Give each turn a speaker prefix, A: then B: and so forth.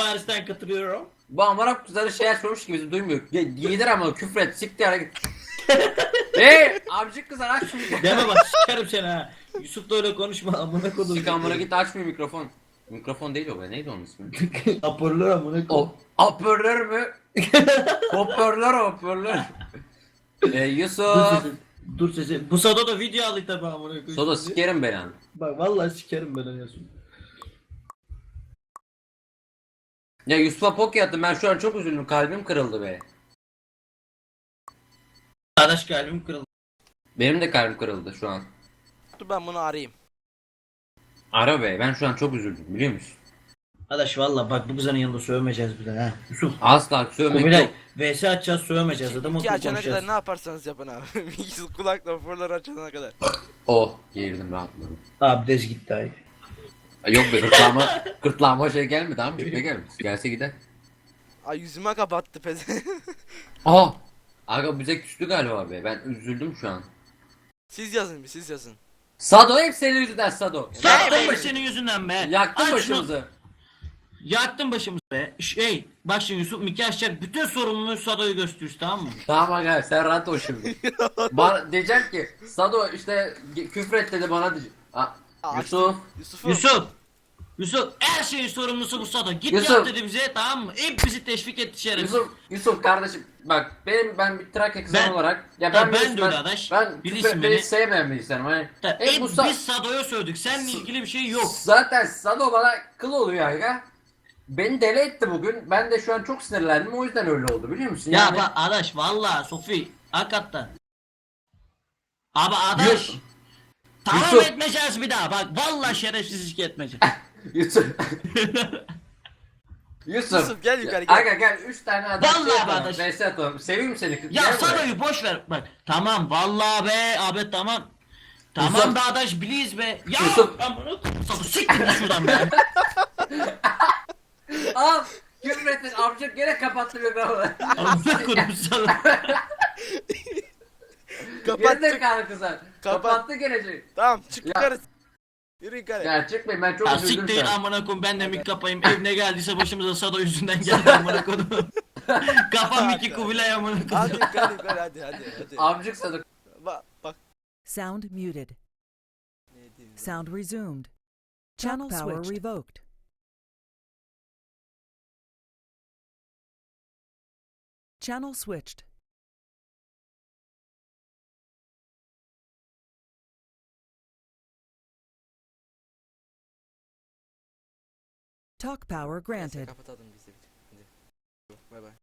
A: Paris'ten katılıyorum.
B: Bu amına kızları şey açmamış ki bizi duymuyor. Yedir ama küfret siktir hadi git. Amcık kızlar aç şu mikrofonu.
A: Deme bak sikerim seni ha. Yusuf da öyle konuşma amına kodum.
B: Sik amına git açmıyor mikrofon. Mikrofon değil o be neydi onun ismi?
A: Hoparlör amına kodum.
B: O hoparlör mü? Hoparlör. Yusuf.
A: Dur sesi. Bu Sado da video aldı tabi amına koyayım.
B: Soda sikerim ben an.
A: Bak vallahi sikerim ben Yusuf.
B: Ya Yusuf'a poke attım ben şu an çok üzüldüm kalbim kırıldı be.
A: Arkadaş kalbim kırıldı.
B: Benim de kalbim kırıldı şu an.
C: Dur ben bunu arayayım.
B: Ara be ben şu an çok üzüldüm biliyor musun?
A: Arkadaş valla bak bu kızın yanında sövmeyeceğiz bir de ha. Yusuf.
B: Asla sövmek
A: Kubilay
B: yok.
A: VS açacağız sövmeyeceğiz adamı
C: Ki açana
A: konuşacağız.
C: kadar ne yaparsanız yapın abi. Kulakla fırlar açana kadar.
B: Oh girdim rahatladım.
A: Abi dez gitti ay.
B: Yok be gırtlağıma şey gelmedi amcık ne gelmiş gelse gider.
C: Ay yüzüme kapattı peze.
B: Aa! Aga bize küstü galiba be ben üzüldüm şu an.
C: Siz yazın bir siz yazın.
B: Sado hep senin yüzünden Sado.
A: Sattın mı senin yüzünden be?
B: Yaktın
A: Aç şunu.
B: başımızı.
A: Yaktın başımızı be. Bak şimdi Yusuf Miki açacak bütün sorumluluğu Sado'yu gösteriyoruz tamam mı?
B: Tamam aga sen rahat ol şimdi. Bana diyecek ki Sado işte küfret dedi bana diyecek. Yusuf.
C: Yusuf'um.
A: Yusuf her şeyin sorumlusu bu Sado. Git
B: Yusuf.
A: yap dedi bize tamam mı? Hep bizi teşvik etti şerefsiz.
B: Yusuf kardeşim bak ben bir Trakya kızı
A: Ben-
B: olarak ya
A: Ya
B: ben
A: ben de öyle arkadaş.
B: ben
A: Bilirsin
B: küfretmeyi
A: beni.
B: sevmeyen bir insanım hani.
A: Tabii,
B: Hep
A: hep
B: bu
A: biz Sado'ya sövdük. Seninle ilgili bir şey yok.
B: zaten Sado bana kıl oluyor aga. Beni deli etti bugün. Ben de şu an çok sinirlendim. O yüzden öyle oldu biliyor musun?
A: Ya bak arkadaş valla Sofi hakikaten. Abi arkadaş.
B: Yusuf.
A: Tamam
B: Yusuf.
A: etmeyeceğiz bir daha bak valla şerefsizlik etmeyeceğiz.
B: Yusuf.
C: Yusuf, gel yukarı, gel.
B: Aga gel 3 tane adam
A: Vallahi
B: yapalım.
A: kardeş.
B: Neyse atalım. Seveyim seni.
A: Ya
B: Gel buraya.
A: Sado'yu boş ver bak. Tamam vallahi be abi tamam. Tamam
B: Yusuf.
A: be arkadaş biliyiz be. Ya
B: Yusuf.
A: ben bunu Sado siktir git şuradan be.
B: Al. Küfrettin. Amcık gene kapattı mikrofonu.
A: Amına koyayım Sado.
C: Kapat
B: Geri
C: çık.
B: zekalı kızlar.
C: Kapat.
B: Kapattı gelecek.
C: Tamam çık yukarı. Yürü yukarı.
B: Ya çıkmayın ben çok
A: Ya
B: üzüldüm
A: siktir
B: şu an.
A: amına koyayım ben de mik kapayım. Ev ne geldiyse başımıza Sado yüzünden geldi amına koyayım. Kafam iki Kubilay amına
C: Hadi
A: koyayım.
C: yukarı hadi.
B: Amcık sadık.
C: Bak.
D: Sound muted.
C: Ne diyeyim ben?
D: Sound resumed. Channel power revoked. Channel switched. Talk power
C: Neyse,
D: granted.
C: kapatalım biz de. Hadi. Bay bay.